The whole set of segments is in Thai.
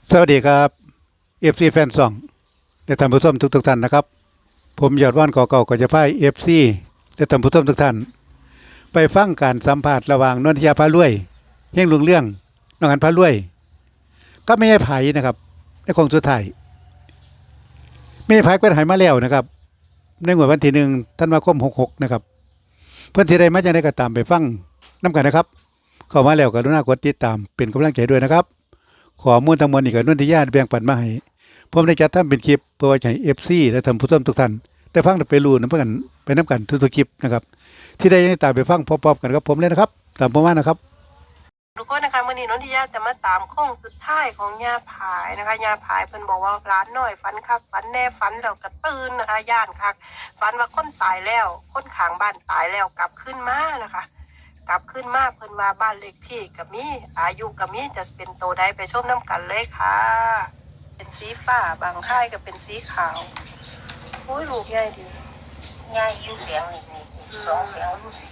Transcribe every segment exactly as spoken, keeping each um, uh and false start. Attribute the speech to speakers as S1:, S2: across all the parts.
S1: สวัสดีครับเอฟซีแฟนซองและท่านผู้ชมทุกทุกท่านนะครับผมยอดว่านก่อเก่าก็จะพายเอฟซีและท่านผู้ชมทุกท่านไปฟังการสัมภาษณ์ระหว่างนนทยาพารวยเฮงลุงเรื่องน้องอันพารวยก็ไม่ใช่ไผ่นะครับในคงสุดท้ายไม่ใช่ไผ่ก็หายมาแล้วนะครับในงวดวันที่หนึ่งธันวาคมหกหกนะครับเพื่อนที่ใดมาจากไหนก็ตามไปฟังน้ำกันนะครับเข้ามาแล้วก็รุณากดติดตามเป็นกำลังใจด้วยนะครับข้อมูลทั้งหมดนี่ก็นนทิยาแบ่งปันมาให้ผมได้จัดทำเป็นคลิปเพื่อไว้ให้ เอฟ ซี และท่านผู้ชมทุกท่านได้ฟังได้ไปรู้นำกันไปนํกันทุกๆคลิปนะครับที่ได้ตามไปฟังพร้อมๆกันกับผมเลยนะครับตามผมมานะครับ
S2: ทุกคนนะคะมื่อนี้นนทิยาจะมาตามโค้งสุดท้ายของยาผายนะคะยาผายเพิ่นบอกว่าร้านหน่อยฝันคักฝันแน่ฝันแล้วก็ตื่นนะคะย่านคักฝันว่าคนตายแล้วคนข้างบ้านตายแล้วกลับขึ้นมานะคะกลับขึ้นมาเพิ่นว่าบ้านเลขที่กับมีอายุกับมีจะเป็นโตได้ไปชมน้ำกันเลยค่ะเป็นสีฟ้าบางค่ายก็เป็นสีขาวโอ้ยลูกใหญ่ดี
S3: ง่ายอยู่เหลียงนี่นี่สองเหลียง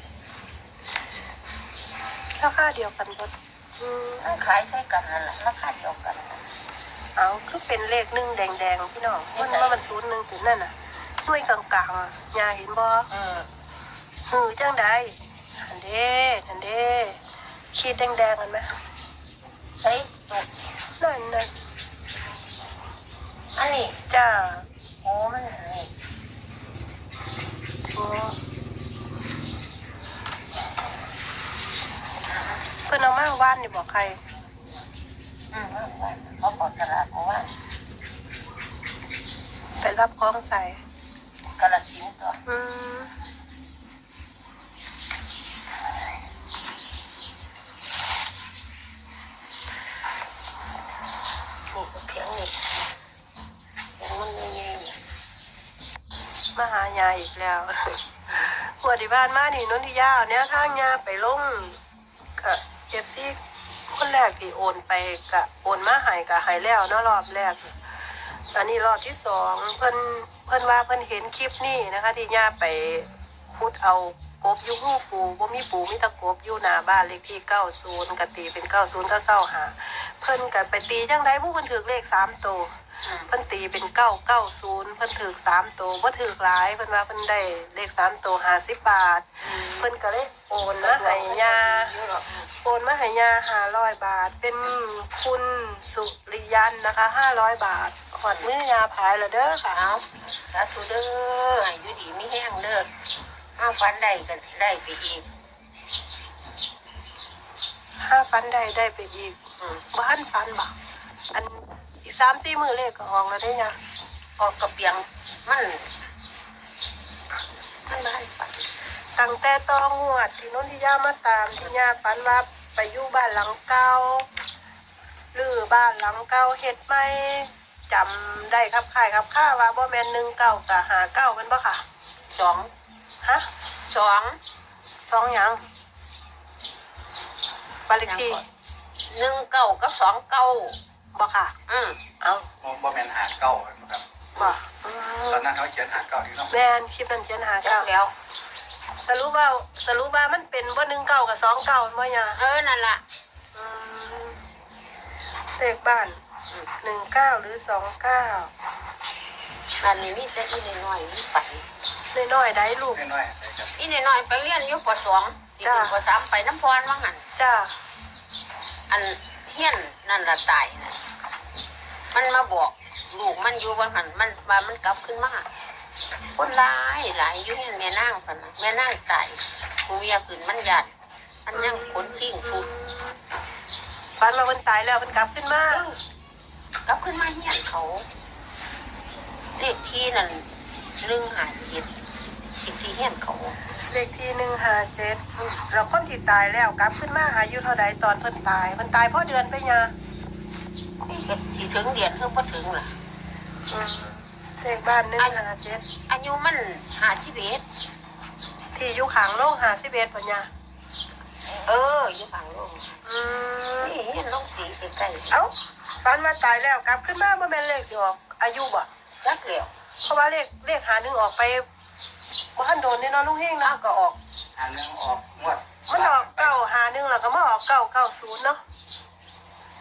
S2: ราคาเดียวกันหมดอืม
S3: มันขายใช้กันนั่นแหละราคาเดียวกัน
S2: เอาคือเป็นเลขหนึ่งแดงๆพี่น้องมันว่ามันศูนย์หนึ่งถึงนั่นน่ะด้วยกลางๆอ่ะยายเห็นบ่
S3: อืม
S2: หือจังใดอันเด้อันเด้ขีดแดงๆกันไหม
S3: ใช้ตุก
S2: นั่นนั่น
S3: อันนี้
S2: จ้า
S3: โอ้มันนี่
S2: โอ้เพิ่นเอามาว่านนี่บอกใคร
S3: อืมเขาบอกตลาดเพราะว่า
S2: ไปรับของใส่
S3: กระสินตัว
S2: อืม
S3: นี่เพียงนี่เพียงมันง่ายๆเนี่ย
S2: มาหายายอีกแล้วหัวที่บ้านมานี่นนทิยาเอาเนี่ยทางยาไปลงกับเอฟซีคนแรกที่โอนไปกะโอนมาใหายกะหายแล้วเนาะรอบแรก อันนี้รอบที่สองเพิ่นเพิ่นว่าเพิ่นเห็นคลิปนี้นะคะ ที่ย่าไปขุดเอากบอยู่หูปูบ่มีปูมีแตะกบอยู่หน้าบ้านเลขที่เก้าสิบกะตีเป็นเก้าสิบก็เก้าห้าเพิ่นก็ไปตีจังได๋ผู้เพิ่นถือเลขสามตัวเพิ่นตีเป็นเก้าเก้าศูนย์เพิ่นถือสามตัวบ่ถือหลายเพิ่นว่าเพิ่นได้เลขสามตัวห้าสิบบาทเพิ่นก็เลยโอนมาให้ย่า โอนมาให้ยาห้าร้อยบาท เป็นคุณสุริยันนะคะห้าร้อยบาทขอดมือยาพายแล้วเด้อค่ะ
S3: เอาสาธุเด้ออายุดีไม่แห้งเด้อเอาฟันได้ก็ได้ไปอีก
S2: ห้าฟันได้ได้ไปอีก
S3: อืม
S2: บ้านฟันบักอันอีกสามสี่มือเลขก็ออกแล้วได้ยา
S3: ออกกระเปียงมันมันได้ฝัน
S2: ตั้งแต่ต้องงวดที่นนทิยามาตามที่ยาฟันว่าไปอยู่บ้านหลังเก่าหรือบ้านหลังเก่าเฮ็ดไหมจำได้ครับค่ายครับค่าว่าบ่แม่นหนึ่งเก้ากับหาเก้าเป็นปะค่ะ
S3: สอง
S2: ฮะ
S3: สอง
S2: สองหยังบานเลขที่
S3: หนึ่งเก้ากับสองเก้า
S2: บอกค่ะ
S3: อืม
S2: เอา
S4: บ่แม่นหาเก้าครับ
S2: บอกอืม
S4: ตอนนั้นเขาเขียนหาเก้าที่ต้อง
S2: แม่นคลิปนั้นเขียนหา
S3: จั
S2: เก้าก
S3: แล้ว
S2: สรุปว่าสรุปว่ามันเป็นว่าหนึ่งเก้ากับสองเก้าบ่ยา
S3: เออนั่นล่ะ
S2: อืมเลขบ้านหนึ่งเก้าหรือสองเก้า
S3: อันนี้มีแต่อีน้อยๆนี่ไป
S2: น้อยๆได้ลูก
S4: น้อยๆใส่กัน
S3: อีน้อยๆไปเรียนอยู่ปสองสี่ปสามไปน้ำพรว่างั้น
S2: จ้า
S3: อันเฮียนนั่นละตายนะมันมาบอกลูกมันอยู่ว่าหันมันว่ามันกลับขึ้นมาคนร้ายหลายอยู่เฮียนแม่นางพันนะแม่นางตายกูอยากขึ้นมันยันมันยังขนชิงชุด
S2: ฟันมามันตายแล้วมันกลับขึ้นมา
S3: กลับขึ้นมาเฮียนเขาเลขที่นั่นหนึ่งหาเจ็ดเลขที่เฮียนเขา
S2: เลขที่หนึ่งห้าเจ็ดเราคนที่ตายแล้วกลับขึ้นมาอายุเท่าใดตอนเพิ่นตายมันตายเพราะเดือนไปยา
S3: ก็สิถึงเดือนเพิ่งพอถึงล่ะ
S2: อืมเลขบ้านหนึ่งห้าเจ็ด
S3: อายุมันหาชีวิต
S2: ที่อยู่ขางโลกหาสิบเอ็ดปัญญา
S3: เอออยู่ฝั่งโลก
S2: อืม
S3: นี่เห็นลงสีใกล้
S2: เอ้าฟันมาตายแล้วกลับขึ้นมาบ่แม่นเลขสิออกอายุบ่
S3: ๆจักเหลียว
S2: เพราะว่าเลขเลขหาหนึ่งออกไปบ่ทันโดนแน่นอนลุงเฮง
S3: น้า
S2: เนาะ
S3: ก็ออก
S4: หาเรื่องออกงวด
S2: มันออกเก้าหาหนึ่งแล้วก็มาออกเก้าเก้าศูนย์เนาะ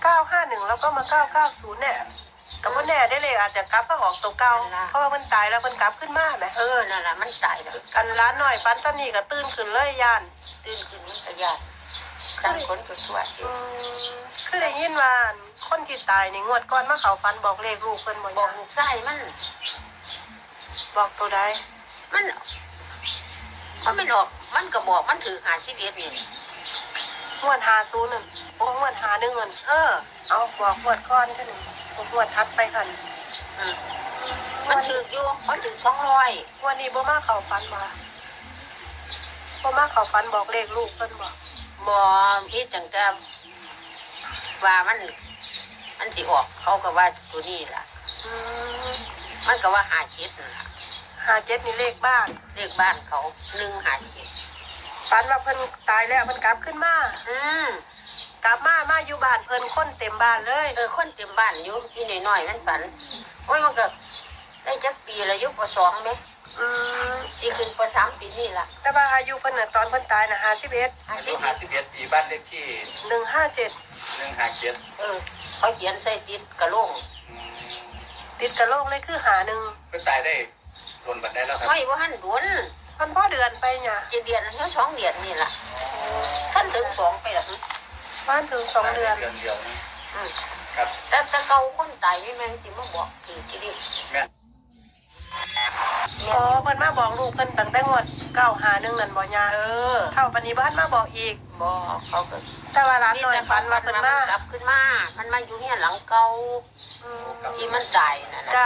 S2: เก้าห้าหนึ่งแล้วก็มาเก้าเก้าศูนย์เนี่ยก็บ่แน่ได้เลยอาจจะกลับมาออกตัวเก่าเพราะว่ามันตายแล้วมันกลับขึ้นมาแหม
S3: เออนั่นแหละมันตายแล้ว
S2: กันร้านหน่อยฟันตอนนี้ก็ตื่นขึ้นเลยย่าน
S3: ตื่นขึ้นมันก็ยากตั้งคนก็สวด
S2: อืมคือได้ยินว่าคนที่ตายนี่งวดก่อนมาเขาฟันบอกเลขลูกเพิ่นบ่
S3: บอ
S2: ย่าก
S3: ลูกชายมัน
S2: บอกตัวใด
S3: มันมันไม่ออกมันก็บอกมันถือหาชีวิตนี่
S2: งวดห้าศูนย์นั่นโอ้งวดห้าหนึ่งนั่น
S3: เออ
S2: เอาบอกงวดก่อนกันงวดทัดไปหั่น
S3: อืมมันถืออยู่มันถือสองร้อย
S2: งวันนี้บ่มาเขาฟันบ่บ่มาเขาฟันบอกเลขลูกเพิ่นบอก
S3: บอพี่จังแต่ว่ามัน มันสิออกเขาก็ว่าตัวนี้ล่ะ
S2: อืม
S3: มันก็ว่าหาเจ็ดนั่นล่ะ
S2: ห้าเจ็ดนี่เลขบ้าน
S3: เลขบ้านเขาหนึ่งหาเจ็ด
S2: ฝันว่าเพิ่นตายแล้วเพิ่นกลับขึ้นมา
S3: อืม
S2: กลับมามาอยู่บ้านเพิ่นคนเต็มบ้านเลย
S3: เออคนเต็มบ้านอยู่ที่น้อยๆมันฝันโอ้ยมันก็ได้จักปีละอยุปสองไหม
S2: อืม
S3: สี่ขึ้นปสามปีนี่ล่ะ
S2: แต่ว่าอายุเพิ่นน่ะตอนเพิ่นตายน่ะห้าสิบเอ็ด
S3: ห้า
S4: อา
S3: สิ
S4: ยุ
S3: บ
S4: ห้าสิบเอ็ดปีบ้านเลขที่
S2: หนึ่งห้าเจ็ด
S4: หนึ่งห้าเจ็ด
S3: เออเขาเขียนใส่ติดกระโหลก
S2: ติดกระโหลกเลยคือหาหนึ่ง
S4: เพิ่งตายได้รนบันได้แล้วครับ
S3: ไม่ว่าหันดวน
S2: มันพ่อเดือนไปเนี่ย
S3: เจ็ดเดือนแล้วสองเดือนนี่ล่ะท่านถึงสองไปละ
S2: บ้านถึงสองเดือน
S4: เดือนเดียวนะ
S3: อืม
S4: ครับ
S3: แต่แต่เกาคนตายไม่แม่นสิมาบอกถือที่ดิ
S4: แม่
S2: อ๋อเพิ่นมาบอกลูกเพิ่นตั้งแต่งวดเก้าหาหนึ่งนั่นบ่ยา
S3: เออ
S2: เท่าปานนี้บ้านมาบอกอีก
S3: บอกเขาก็
S2: แต่ว่าร้านหน่อยฝันว่าเพิ่นมา
S3: กลับขึ้นมา มันมาอยู่เนี่ยหลังเก่า
S2: อืม
S3: ที่มันตายน่ะนะ
S2: จ้า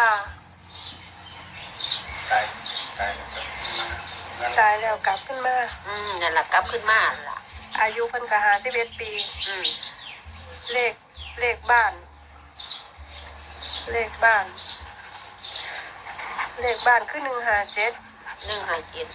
S4: ตายตายแล้วครับนั่น
S2: ตายแล้วกลับขึ้นมา
S3: อืมนั่นล่ะกลับขึ้นมาล่ะ
S2: อายุเพิ่นก็ห้าสิบเอ็ดปี
S3: อืม
S2: เลขเลขบ้าน เลขบ้าน เลขบ้านคือหนึ่งห้าเจ็ด
S3: หนึ่งหาเจ็ด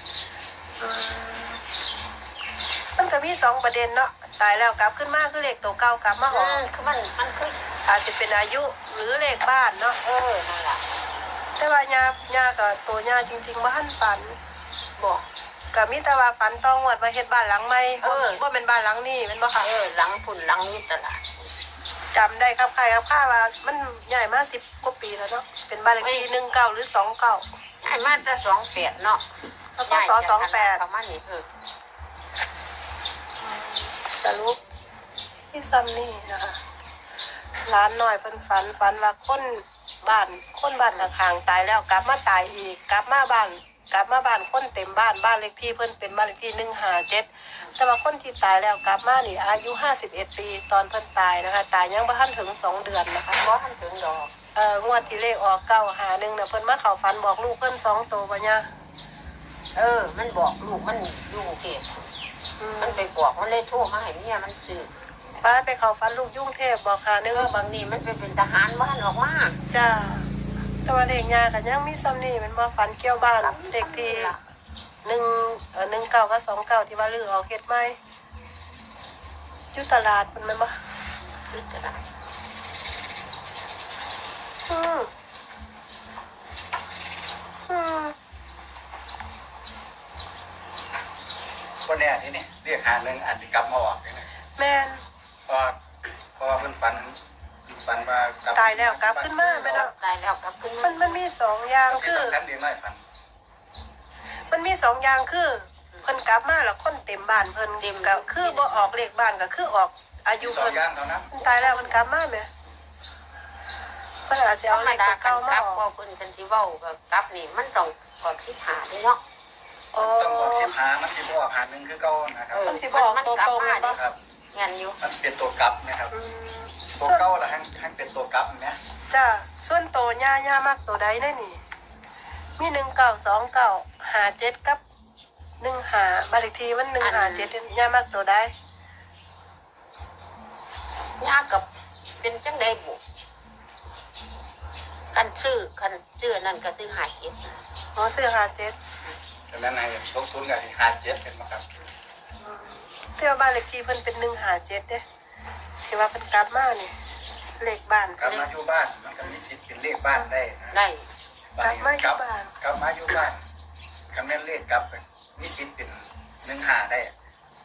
S2: มันก็มีสองประเด็นเนาะตายแล้วกลับขึ้นมาคือเลขตัวเก่ากลับมาห
S3: อื
S2: อ
S3: มคือมันมันคือ
S2: อาจจะเป็นอายุหรือเลขบ้านเนาะ
S3: เออนั่นล่ะ
S2: แต่ว่าญาญากับตัวญาจริงๆว่าหันฝัน
S3: บอก
S2: ก็มีแต่ว่าฝันต้องวดมาเฮ็ดบ้านหลังใหม่
S3: เออ
S2: ว่าเป็นบ้านหลังนี้แมันบ่ค่ะ
S3: เออหลังพุ่นหลังนี้ตลาด
S2: จำได้ครับใครครับข้าว่ามันใหญ่มาสิบกว่าปีแล้วเนาะเป็นบ้านเลขที่หนึ่งเก้าหรือสองเก้า
S3: ไอ้มาแต่สองแปดเนาะ
S2: แล้วก็สอสองแปด
S3: ประมาณนี้เออ
S2: สรุปที่ซัมนี่นะคะร้านหน่อยเพิ่นฝันฝันว่าคนบ้านคนบ้านข้างๆตายแล้วกลับมาตายอีกกลับมาบ้านกลับมาบ้านคนเต็มบ้านบ้านเลขที่เพิ่นเป็นบ้านเลขที่หนึ่งห้าเจ็ดแต่ว่าคนที่ตายแล้วกลับมานี่อายุห้าสิบเอ็ดปีตอนเพิ่นตายนะคะตายยังบ่ทันถึงสองเดือนนะคะ
S3: บ่ทันถึงดอก
S2: เอ่องวดที่เลขออกเก้าหาหนึ่งน่ะเพิ่นมาเข้าฝันบอกลูกเพิ่นสองโตวบ่เนี่ย
S3: เออ มันบอกลูกมันอยู่กรุงเทพ
S2: อืม
S3: มันไปบอกมันเลยโทรมาให้เมียมันซื้อ
S2: ป้าไปเข้าฝันลูกยุ่งเทพบอกหาหนึ่ง
S3: เออบางนี่มันไปเป็นทหารบ้านออกมา
S2: จ้าแต่ว่าเลขยากันยังมีซ้ำนี่มันบ่ฝันเกี่ยวบ้านเด็กที่หนึ่งเอ่อหนึ่งเก้ากับสองเก้าที่ว่าลือออกเฮ็ดไหมอยู่ตลาดมันแม่นบ่
S3: คือจะได้
S2: อืมอืม
S4: คนเนี้ยนี่นี่เรียกหาหนึ่งอาจจะกลับมาออกเลยนะ
S2: แม่น
S4: เพราะเพราะว่าเพิ่นฝันฝันว่ากลับ
S2: ตายแล้วกลับขึ้นมาแม่นเนาะ
S3: ตายแล้วกลับขึ้น
S2: มั
S3: มาน
S2: มันมีสองอย่าง
S4: ที่
S2: คือ
S4: สำคัญดีน้อยฝัน
S2: มันมีสองอย่างคือเพิ่นกลับมาแล้วคนเต็มบ้านเพิ่นเต็มก็คือบ่ออกเลขบ้านก็คือออกอายุ
S4: สอง
S2: เพิ่น
S4: อย่างเท่านั้น
S2: เพิ่นตายแล้วมันกลับมาแหมเพิ่นอาจจะ
S3: ธร
S2: เอา
S3: ร
S2: เล
S3: ม
S2: ข
S3: ดา
S2: ตัว
S3: กั
S2: เก่าน
S3: ก
S2: มา
S3: ลับ
S2: ออก
S3: พอคุณเป็นสิเว้าก็กลับนี่มันต้องกอดที่หาด้วยเนาะ
S2: อ๋อ
S4: ต้องบอกสิบหามันสิบออกหาหนึ่งคือเก่านะครับ
S2: มันสิบอกตัวตรงเลยปะ
S4: ครับ
S3: เงี้ยอยู่
S4: มันเป็นตัวกลับนะครับ
S2: อืม
S4: ตัวเก่าละให้ให้เป็นตัวกลับเนี่ย
S2: จ้าส่วนโตย่าย่ามากตัวใดแน่นี่ มีหนึ่งเก้าสองเก้าหาเจ็ดกับหนึ่งหาบ้านเลขที่มันหนึ่งหาเจ็ดย่ามากตัวใด
S3: ยากกับเป็นจังไดบุกันซื้อกันซื้อนั่นก็ซื้อหาเจ็ด
S2: หมอซื้อหาเจ็ด
S4: ดังนั้นให้ลงทุนกับหาเจ็ดเป็นมาครับ
S2: เที่ยวบ้านเลขที่เพิ่นเป็นหนึ่งหาเจ็ดเด้ที่ว่าเพิ่นกลับมานี่เลขบ้าน
S4: กลับมาอยู่บ้านมันก็มีสิทธิ์เป็นเลขบ้านได้นะ
S3: ได้
S4: บ้านนี้กลับกลับมาอยู่บ้านคำแม่นเลขกลับมีสิทธิ์เป็นหนึ่งหาได้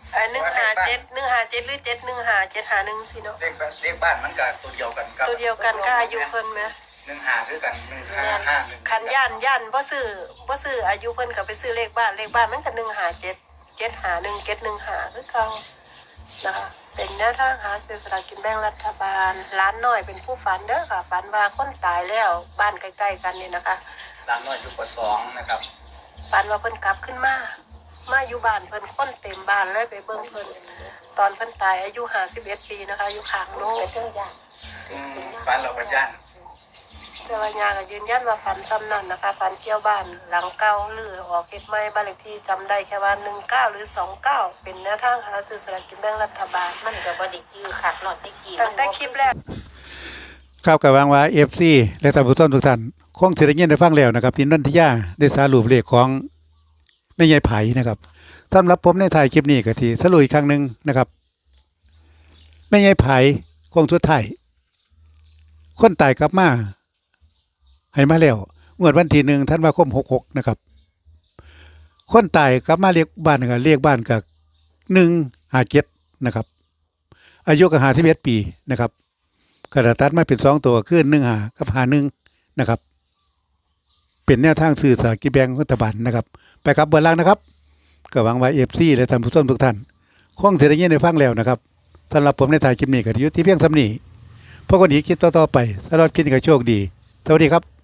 S2: ไอ้หนึ่งหาเจ็ดหนึ่งหาเจ็ดหรือเจ็ดหนึ่งหาเจ็ดหาหนึ่งสิเนาะ
S4: เลขบ้านเลขบ้านมันก็ตัวเดียวกันกับ
S2: ตัวเดียวกันก็อายุเพิ่นไหม
S4: หนึ่งห้าคือกันหนึ่งห้าห้าหนึ่ง
S2: คันย่านย่านบ่ซื้อบ่ซื้ออายุเพิ่นก็ไปซื้อเลขบ้านเลขบ้านมันก็หนึ่งหาเจ็ดเจ็ดหาหนึ่งเจ็ดหนึ่งหาคือเก่านะคะเป็นแนวทางหาซื้อสลากกินแบ่งรัฐบาลร้านน้อยเป็นผู้ฝันเด้อค่ะฝันว่าคนตายแล้วบ้านใกล้ๆกันนี่นะคะ
S4: ร้านน้อยอยู่ปสองนะครับ
S2: ฝันว่าเพิ่นกลับขึ้นมามาอยู่บ้านเพิ่นคนเต็มบ้านเลยไปเบิ่งเพิ่นตอนเพิ่นตายอายุห้าสิบเอ็ดปีนะคะอยู่ข้างโน้
S3: ไป
S2: น
S3: เทิงยา
S4: อืมฝันเราประยัน
S2: แต่ว่ายาก็ยืนยันว่าฝันซ้ำนั่นนะคะฝันเกี่ยวบ้านหลังเก่าหรือออกเฮ็ดใหม่บ้านเลขที่จำได้แค่ว่าหนึ่งเก้าหรือสองเก้าเป็นแนวทางหาซื้อสลากกินแบ่งรัฐบาล
S3: มันก็บ่ได้ยื้อคักเนาะแต่กี้
S2: ตั้งแต่คลิปแรก
S1: ครับกับวางว่า เอฟ ซี และท่านผู้ชมทุกท่านคงสิได้ยินได้ฟังแล้วนะครับที่นนทิยาได้สรุปเลขของแม่ยายไผนะครับสำหรับผมในถ่ายคลิปนี้ก็ที่สรุปอีกครั้งหนึงนะครับแม่ยายไผคงสุดท้ายคนตายกลับมาให้มาแล้วงวดวันที่หนึ่งธันวาคมหกหกนะครับคนตายกลับมาเรียกบ้านก็เรียกบ้านก็หนึ่งห้าเจ็ดนะครับ อายุก็ห้าสิบเอ็ดปีนะครับ กระตัดมาเป็นสองตัวขึ้นหนึ่งหากับหาหนึ่งนะครับ เป็นแนวทางสื่อสารกิจแบงรัฐบาลนะครับ ไปครับเบอร์ล่างนะครับก็หวังว่าเอฟซีและท่านผู้ชมทุกท่านคงเสียได้ยินได้ฟังแล้วนะครับสำหรับผมในถ่ายคลิปนี้ก็อยู่ที่เพียงสำนีพวกคนอีกคิดต่อๆไปสำหรับคลิปนี้ก็โชคดี สวัสดีครับ